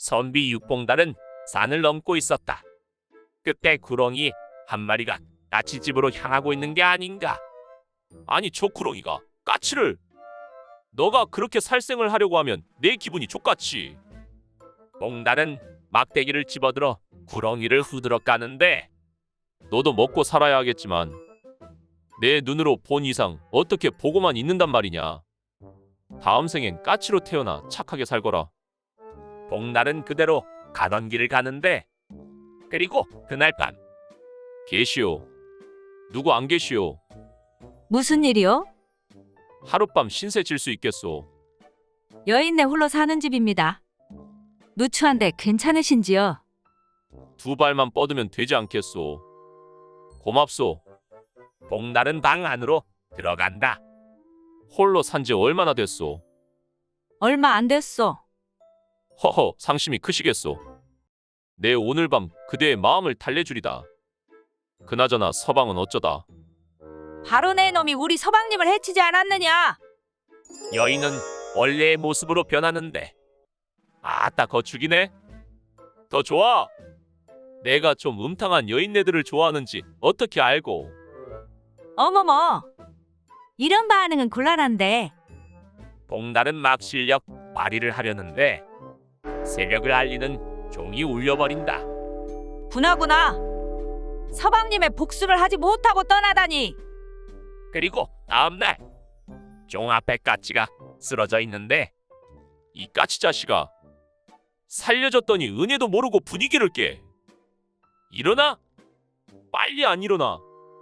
선비 육봉달은 산을 넘고 있었다. 그때 구렁이 한 마리가 까치 집으로 향하고 있는 게 아닌가. 아니 저 구렁이가 까치를. 너가 그렇게 살생을 하려고 하면 내 기분이 족같이. 봉달은 막대기를 집어들어 구렁이를 후드러 까는데 너도 먹고 살아야 하겠지만 내 눈으로 본 이상 어떻게 보고만 있는단 말이냐. 다음 생엔 까치로 태어나 착하게 살거라. 봉달은 그대로 가던 길을 가는데 그리고 그날 밤 계시오. 누구 안 계시오. 무슨 일이요? 하룻밤 신세 질 수 있겠소. 여인네 홀로 사는 집입니다. 누추한데 괜찮으신지요? 두 발만 뻗으면 되지 않겠소. 고맙소. 봉달은 방 안으로 들어간다. 홀로 산지 얼마나 됐소? 얼마 안 됐소. 허허, 상심이 크시겠소. 내 오늘 밤 그대의 마음을 달래주리다. 그나저나 서방은 어쩌다. 바로 내 놈이 우리 서방님을 해치지 않았느냐? 여인은 원래의 모습으로 변하는데 아따 거축이네. 더 좋아. 내가 좀 음탕한 여인네들을 좋아하는지 어떻게 알고. 어머머, 이런 반응은 곤란한데. 봉달은 막 실력 발휘를 하려는데 세력을 알리는 종이 울려버린다. 구나구나. 서방님의 복수를 하지 못하고 떠나다니. 그리고 다음날 종 앞에 까치가 쓰러져 있는데 이 까치 자식아, 살려줬더니 은혜도 모르고 분위기를 깨. 일어나? 빨리 안 일어나.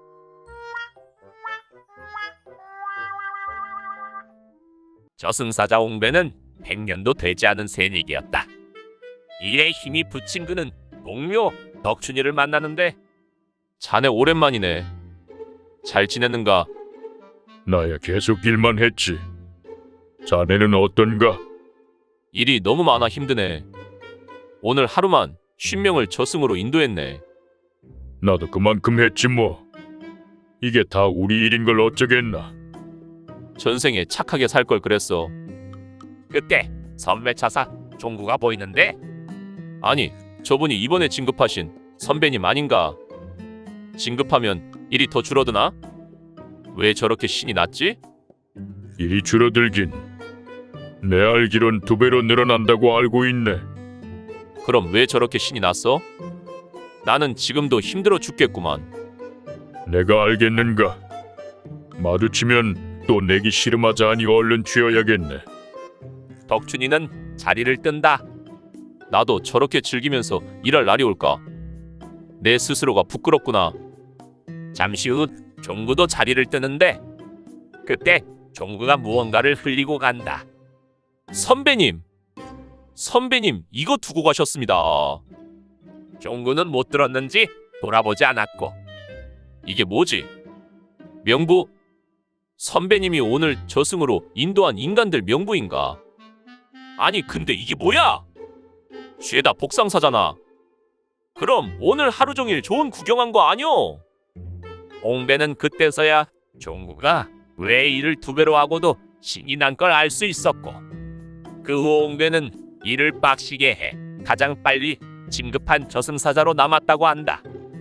저승사자 옹배는 100년도 되지 않은 새내기였다. 일에 힘이 붙인 그는 동료 덕춘이를 만나는데 자네 오랜만이네. 잘 지냈는가? 나야 계속 일만 했지. 자네는 어떤가? 일이 너무 많아 힘드네. 오늘 하루만 50명을 저승으로 인도했네. 나도 그만큼 했지 뭐. 이게 다 우리 일인 걸 어쩌겠나. 전생에 착하게 살 걸 그랬어. 그때 선배 차사 종구가 보이는데 아니 저분이 이번에 진급하신 선배님 아닌가. 진급하면 일이 더 줄어드나? 왜 저렇게 신이 났지? 일이 줄어들긴 내 알기론 2배로 늘어난다고 알고 있네. 그럼 왜 저렇게 신이 났어? 나는 지금도 힘들어 죽겠구만. 내가 알겠는가. 마주치면 또 내기 씨름하자 하니 얼른 취해야겠네. 덕춘이는 자리를 뜬다. 나도 저렇게 즐기면서 일할 날이 올까? 내 스스로가 부끄럽구나. 잠시 후 종구도 자리를 뜨는데 그때 종구가 무언가를 흘리고 간다. 선배님! 선배님 이거 두고 가셨습니다. 종구는 못 들었는지 돌아보지 않았고 이게 뭐지? 명부? 선배님이 오늘 저승으로 인도한 인간들 명부인가? 아니 근데 이게 뭐야? 죄다 복상사잖아. 그럼 오늘 하루 종일 좋은 구경한 거 아니오? 옹배는 그때서야 종구가 왜 일을 2배로 하고도 신이 난 걸 알 수 있었고 그 후 옹배는 일을 빡시게 해 가장 빨리 진급한 저승사자로 남았다고 한다.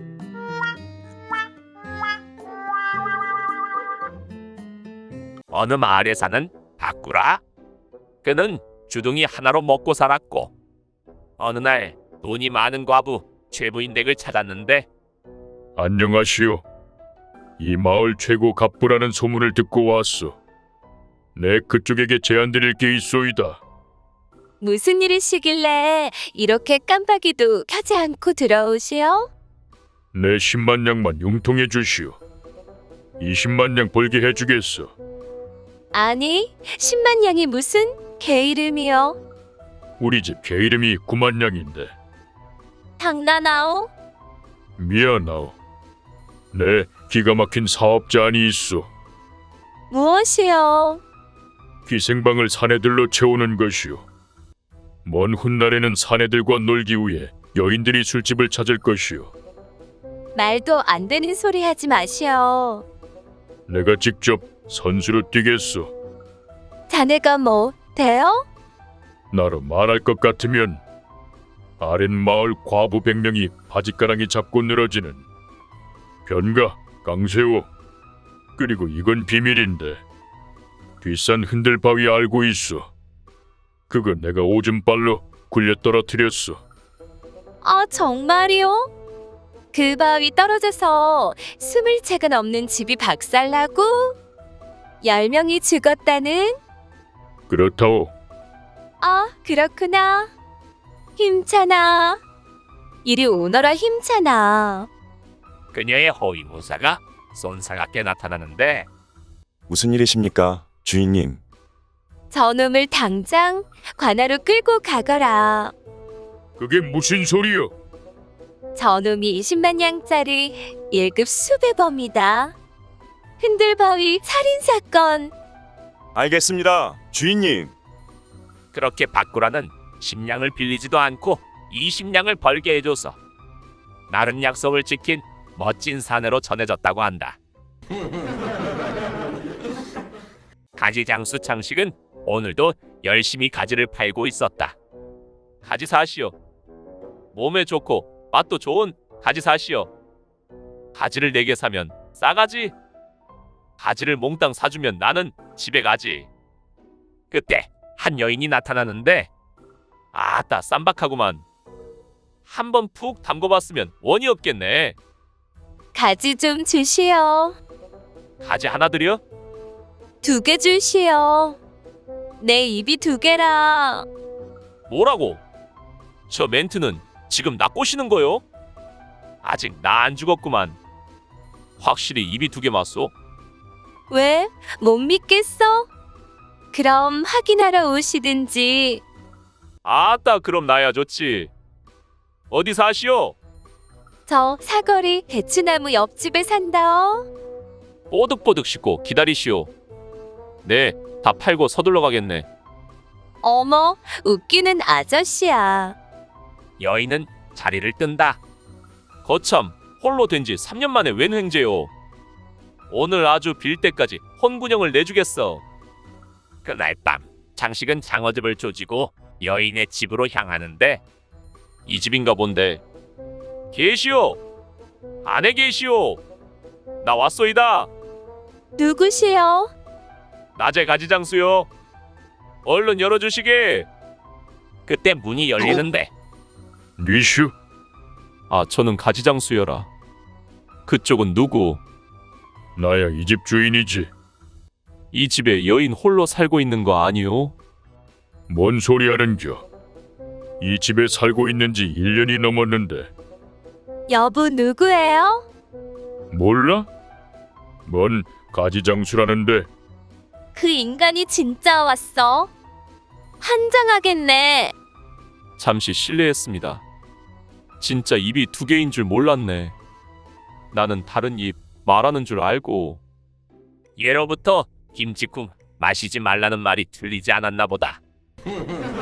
어느 마을에 사는 바꾸라. 그는 주둥이 하나로 먹고 살았고 어느 날 돈이 많은 과부 최부인 댁을 찾았는데 안녕하시오. 이 마을 최고 갑부라는 소문을 듣고 왔소. 내 그쪽에게 제안드릴 게 있소이다. 무슨 일이시길래 이렇게 깜빡이도 켜지 않고 들어오시오? 내 10만 양만 융통해 주시오. 20만 양 벌게 해주겠소. 아니, 10만 양이 무슨 개 이름이요? 우리 집 개 이름이 9만 양인데. 장난하오? 미안하오. 내 기가 막힌 사업 제안이 있소. 무엇이요? 기생방을 사내들로 채우는 것이오. 먼 훗날에는 사내들과 놀기 위해 여인들이 술집을 찾을 것이오. 말도 안 되는 소리 하지 마시오. 내가 직접 선수로 뛰겠소. 자네가 뭐 돼요? 나로 말할 것 같으면 아랫마을 과부 100명이 바짓가랑이 잡고 늘어지는 변가, 강세호. 그리고 이건 비밀인데 뒷산 흔들바위 알고 있어. 그거 내가 오줌발로 굴려 떨어뜨렸어. 아, 정말이요? 그 바위 떨어져서 20채가 넘는 집이 박살나고 10명이 죽었다는? 그렇다오. 아, 그렇구나. 힘차나. 이리 오너라, 힘차나. 그녀의 허위무사가 쏜사갑게 나타나는데 무슨 일이십니까, 주인님? 저놈을 당장 관하로 끌고 가거라. 그게 무슨 소리여? 저놈이 20만 양짜리 1급 수배범이다. 흔들바위 살인사건. 알겠습니다, 주인님. 그렇게 바꾸라는 10냥을 빌리지도 않고 20냥을 벌게 해줘서 나른 약속을 지킨 멋진 사내로 전해졌다고 한다. 가지장수 창식은 오늘도 열심히 가지를 팔고 있었다. 가지 사시오. 몸에 좋고 맛도 좋은 가지 사시오. 가지를 4개 사면 싸가지. 가지를 몽땅 사주면 나는 집에 가지. 그때 한 여인이 나타나는데 아따 쌈박하구만. 한번 푹 담궈봤으면 원이 없겠네. 가지 좀 주시오. 가지 하나 드려? 2개 주시오. 내 입이 2개라. 뭐라고? 저 멘트는 지금 나 꼬시는 거요? 아직 나 안 죽었구만. 확실히 입이 2개 맞소? 왜? 못 믿겠어? 그럼 확인하러 오시든지. 아따 그럼 나야 좋지. 어디 사시오? 저 사거리 대추나무 옆집에 산다어. 뽀득뽀득 씻고 기다리시오. 네, 다 팔고 서둘러 가겠네. 어머, 웃기는 아저씨야. 여인은 자리를 뜬다. 거참, 홀로 된 지 3년 만에 웬 횡재요. 오늘 아주 빌 때까지 혼군형을 내주겠어. 그날 밤 장식은 장어집을 조지고 여인의 집으로 향하는데 이 집인가 본데. 계시오. 안에 계시오. 나 왔소이다. 누구시여? 낮에 가지장수요. 얼른 열어주시게. 그때 문이 열리는데 뉘슈? 아 저는 가지장수여라. 그쪽은 누구? 나야 이 집 주인이지. 이 집에 여인 홀로 살고 있는 거 아니오? 뭔 소리 하는겨? 이 집에 살고 있는 지 1년이 넘었는데 여보 누구예요? 몰라? 뭔 가지장수라는데. 그 인간이 진짜 왔어. 환장하겠네. 잠시 실례했습니다. 진짜 입이 2개인 줄 몰랐네. 나는 다른 입 말하는 줄 알고. 예로부터 김치국 마시지 말라는 말이 들리지 않았나 보다.